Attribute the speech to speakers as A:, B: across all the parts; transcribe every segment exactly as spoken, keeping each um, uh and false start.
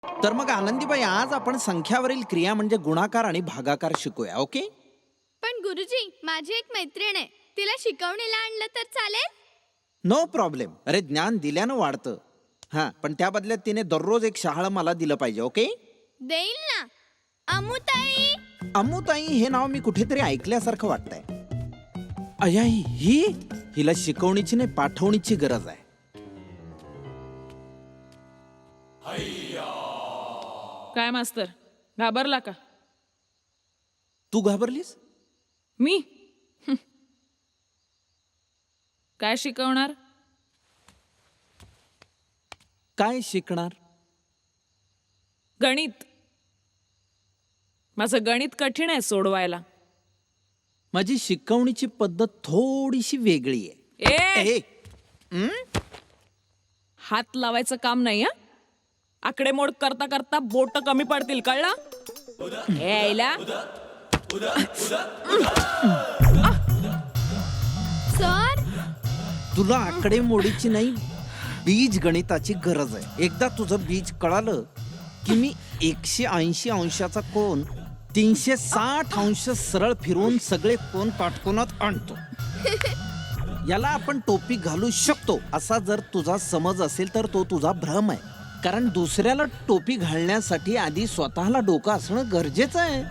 A: तर मग आनंदीबाई आज आपण संख्यावरील क्रिया म्हणजे गुणाकार आणि भागाकार शिकूया. ओके?
B: पण गुरुजी, माझी एक मैत्रीण आहे, तिला शिकवणीला आणलं तर चालेल?
A: No problem. अरे ज्ञान दिल्यानं वाढतं. हा, पण त्या बदल्यात तिने दररोज एक शहाळं मला दिलं पाहिजे. ओके?
B: देईल ना. अमुताई.
A: अमुताई हे नाव मी कुठेतरी ऐकल्यासारखं वाटतंय. अयाई ही हिला शिकवणीची नाही पाठवणीची गरज आहे.
C: काय मास्तर, घाबरला का?
A: तू घाबरलीस?
C: मी हं. काय शिकवणार?
A: काय शिकणार?
C: गणित. माझं गणित कठीण आहे सोडवायला.
A: माझी शिकवणीची पद्धत थोडीशी वेगळी आहे.
C: ए
A: ए, हं?
C: हात लावायचं काम नाही. हा, आकडेमोड करता करता बोट कमी पडतील, कळलं? ए आईला.
B: सर,
A: तुला आकडेमोडीची नाही बीज गणिताची गरज आहे. एकदा तुझं बीज कळालं की मी एकशे ऐंशी अंशाचा कोन तीनशे साठ अंश सरळ फिरवून सगळे कोन काटकोनात आणतो. याला आपण टोपी घालू शकतो असा जर तुझा समज असेल तर तो तुझा भ्रम आहे. कारण दुसऱ्याला टोपी घालण्यासाठी आधी स्वतःला डोकं असणं गरजेचं आहे.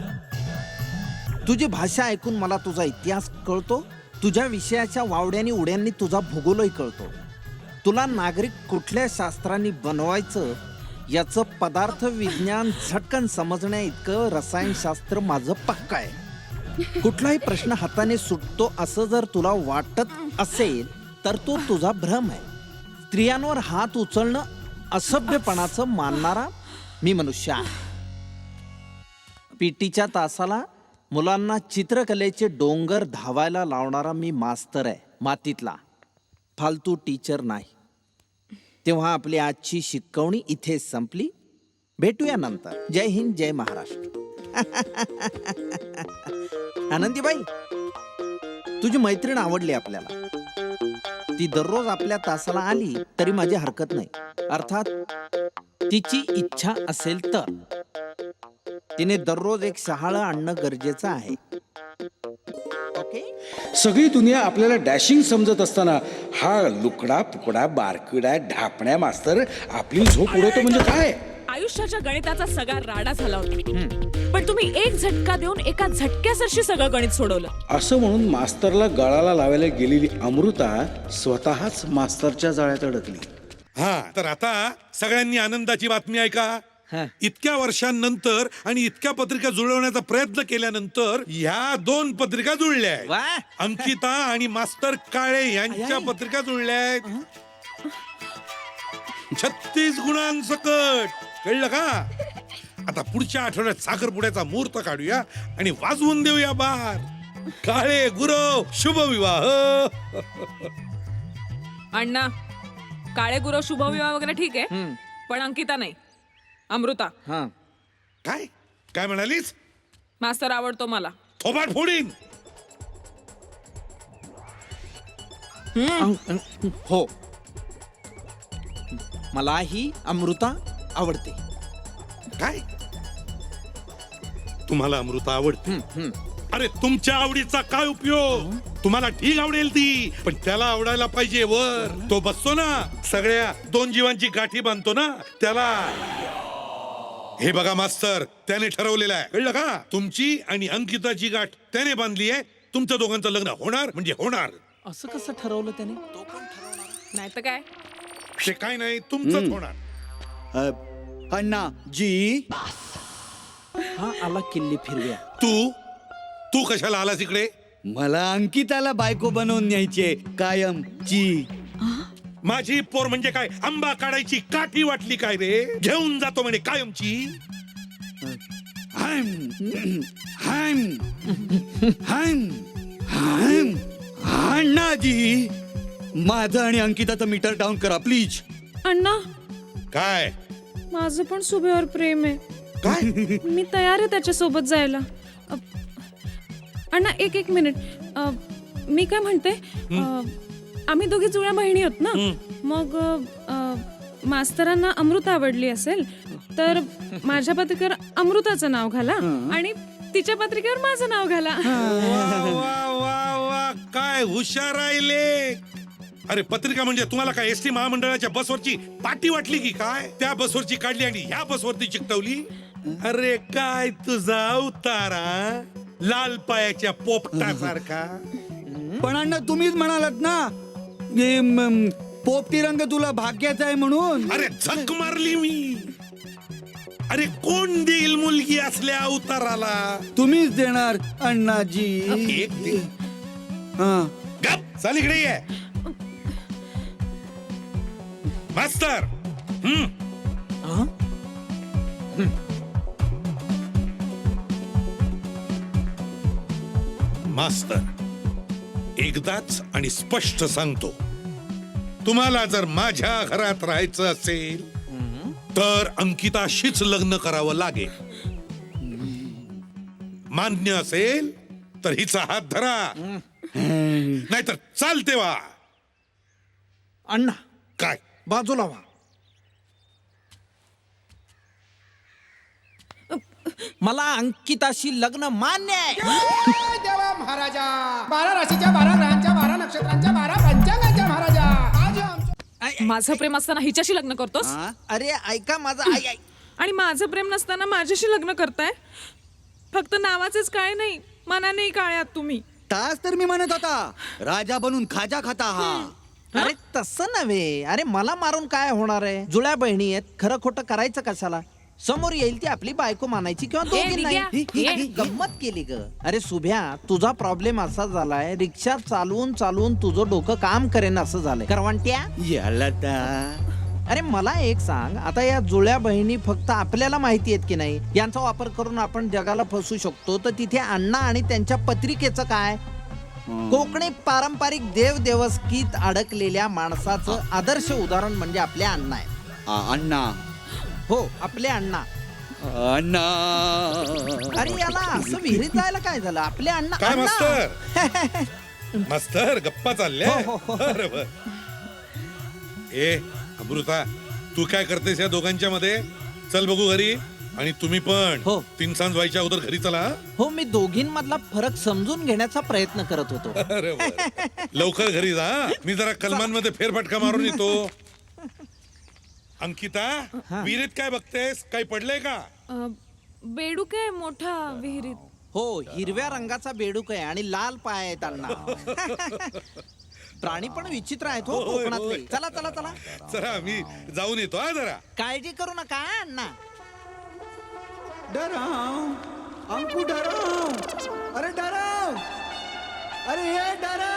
A: तुझी भाषा ऐकून मला तुझा इतिहास कळतो. तुझ्या विषयाच्या वावड्यांनी उड्यांनी तुझा भूगोलही कळतो. तुला नागरिक कुठल्या शास्त्रांनी बनवायचं याचं पदार्थ विज्ञान झटकन समजण्या इतकं रसायनशास्त्र माझं पक्का आहे. कुठलाही प्रश्न हाताने सुटतो असं जर तुला वाटत असेल तर तो तुझा भ्रम आहे. स्त्रियांवर हात उचलणं असभ्यपणाचं मानणारा मी मनुष्य आहे. पीटीच्या तासाला मुलांना चित्रकलेचे डोंगर धावायला लावणारा मी मास्तर आहे, मातीतला. फालतू टीचर नाही. तेव्हा आपली आजची शिकवणी इथे संपली. भेटूया नंतर. जय हिंद, जय महाराष्ट्र. आनंदीबाई, तुझी मैत्रीण आवडली आपल्याला. ती दररोज आपल्या तासाला आली तरी माझी हरकत नाही. अर्थात तिची इच्छा असेल तर. तिने दररोज एक शहाळं आणणं गरजेचं आहे. ओके?
D: सगळी दुनिया आपल्याला डॅशिंग समजत असताना हा लुकडा पुकडा बारकडा ढापण्या मास्तर आपली झोप उडवतो म्हणजे काय?
C: आयुष्याच्या गणिताचा सगळा राडा झाला होता, पण तुम्ही एक झटका देऊन एका झटक्यासरशी सगळं गणित सोडवलं.
D: असं म्हणून मास्तरला गळाला लावायला गेलेली अमृता स्वतःच मास्तरच्या जाळ्यात अडकली.
E: हा, तर आता सगळ्यांनी आनंदाची बातमी ऐका.
A: हा.
E: इतक्या वर्षांनंतर आणि इतक्या पत्रिका जुळवण्याचा प्रयत्न केल्यानंतर ह्या दोन पत्रिका जुळल्या आहेत.
A: वा.
E: अंकिता आणि मास्तर काळे यांच्या
A: आई.
E: पत्रिका जुळल्या आहेत. छत्तीस गुणांसकट. कळलं का? आता पुढच्या आठवड्यात साखरपुड्याचा मुहूर्त काढूया आणि वाजवून देऊया बार. काळे गुरव शुभ विवाह.
C: अण्णा, काळे गुरव शुभविवाह वगैरे ठीक आहे, पण अंकिता नाही, अमृता.
A: हा.
E: काय काय म्हणालीस?
C: मास्तर आवडतो मला.
E: थोबाड फोडीन.
A: हो, मलाही अमृता आवडते.
E: काय तुम्हाला अमृता आवडते? अरे तुमच्या आवडीचा काय उपयोग? तुम्हाला ठीक आवडेल ती, पण त्याला आवडायला पाहिजे वर. तो बसतो ना सगळ्या दोन जीवांची गाठी बांधतो ना त्याला. हे बघा मास्तर, त्याने ठरवलेलं आहे. कळलं का? तुमची आणि अंकिताची गाठ त्याने बांधली आहे. तुमच्या दोघांचं लग्न होणार म्हणजे होणार.
A: असं कसं ठरवलं त्याने?
C: नाही तर काय.
E: ते काय नाही, तुमचंच होणार.
F: अण्णा जी.
A: हा आला किल्ली फिरव्या.
E: तू तू कशाला आलास इकडे?
F: मला अंकिताला बायको बनवून न्यायचे कायम जी.
E: माझी पोर म्हणजे काय आंबा काढायची काठी वाटली काय रे? घेऊन जातो म्हणे कायमची.
F: हाम हाम हाम हाम. अण्णा जी, माझं आणि अंकिताचं मीटर डाऊन करा प्लीज.
C: अण्णा,
E: काय
C: माझं पण सुभेवर प्रेम आहे.
E: काय
C: मी तयार आहे त्याच्यासोबत जायला. अ, अण्णा एक एक मिनिट. अ, मी काय म्हणते, अ, आम्ही दोघी जुळ्या बहिणी आहोत ना. मग अ, मास्तरांना अमृता आवडली असेल तर माझ्या पत्रिकेवर अमृताचं नाव घाला आणि तिच्या पत्रिकेवर माझं नाव घाला.
E: वा वा वा वा काय हुशार राहिले. अरे पत्रिका म्हणजे तुम्हाला काय एसटी महामंडळाच्या बसवरची पाटी वाटली की काय? त्या बसवरची काढली आणि ह्या बसवरती चिकटवली. अरे काय तुझा अवतारा लाल पायाच्या पोपटासारखा.
F: पण अण्णा तुम्हीच म्हणालात ना की म, पोपटी रंग तुला भाग्याचा आहे म्हणून.
E: अरे झक मारली मी. अरे कोण देईल मुलगी असल्या अवताराला?
F: तुम्हीच देणार अण्णाजी.
E: एक दे.
F: हा.
E: गप चाल इकडे ये. मास्तर हम्म मास्तर एकदाच आणि स्पष्ट सांगतो, तुम्हाला जर माझ्या घरात राहायचं असेल तर अंकिताशीच लग्न करावं लागेल. मान्य असेल तर हिचा हात धरा, नाहीतर चालते वा.
A: अण्णा
E: काय
A: बाजूला व्हा. मला अंकिताशी लग्न मान्य आहे.
G: जय देवा महाराजा. बारा राशीच्या बारा ग्रहांच्या बारा नक्षत्रांच्या बारा पंचांगाच्या महाराजा. आज आमच्या
C: माझं प्रेम असताना हिच्याशी लग्न करतोस
A: अरे ऐका माझं आई आई
C: आणि माझं प्रेम नसताना माझ्याशी लग्न करताय. फक्त नावाचेच काय नाही, मनानेही काय आहात तुम्ही.
F: तास तर मी म्हणत होता राजा बनून खाजा खाता हा.
A: अरे तसं नव्हे. अरे मला मारून काय होणार आहे? जुळ्या बहिणी आहेत, खरं खोटं करायचं कशाला? समोर येईल ती आपली बायको मानायची किंवा दोघी नाही.
C: निघ्या.
A: ही- ही गंमत केली ग. अरे सुभ्या, तुझा प्रॉब्लेम असा झालाय, रिक्षा चालवून चालवून तुझं डोकं काम करेन असं झालंय. करवंट्या,
F: याला ता.
A: अरे मला एक सांग, आता या जुळ्या बहिणी फक्त आपल्याला माहिती आहेत की नाही, यांचा वापर करून आपण जगाला फसू शकतो. तर तिथे अण्णा आणि त्यांच्या पत्रिकेचं काय? कोकणी पारंपरिक देव देवस्कीत अडकलेल्या माणसाचं आदर्श उदाहरण म्हणजे आपले अण्णा आहे.
F: आ, अण्णा
A: हो, आपले अण्णा.
F: अण्णा.
A: अरे याला असं विहिरीत जायला काय झालं? आपले अण्णा
E: काय
A: अण्णा.
E: मास्तर मास्तर गप्पा चालल्या.
A: हो, हो, हो.
E: बरोबर. ए अमृता, तू काय करतेस या दोघांच्या मध्ये? चल बघू घरी. आणि तुम्ही पण
A: हो.
E: तीन सांज व्हायच्या अगोदर घरी चला.
A: हो, मी दोघींमधला फरक समजून घेण्याचा प्रयत्न करत होतो.
E: अरे वा. लवकर घरी जा. मी जरा कलमांमध्ये फेरफटका मारून येतो. अंकिता, विहिरीत काय बघतेस? काही पडलंय का?
C: अ, बेडूक आहे मोठा विहिरीत.
A: हो, हिरव्या रंगाचा बेडूक आहे आणि लाल पाय आहेत अण्णा. प्राणी पण विचित्र आहेत हो
E: होय,
A: कोकणातले.
E: होय.
A: चला चला चला,
E: चला मी जाऊन येतो हा जरा.
A: काळजी करू नका अण्णा.
F: डराव अंकु डराव. अरे डराव. अरे ये डराव.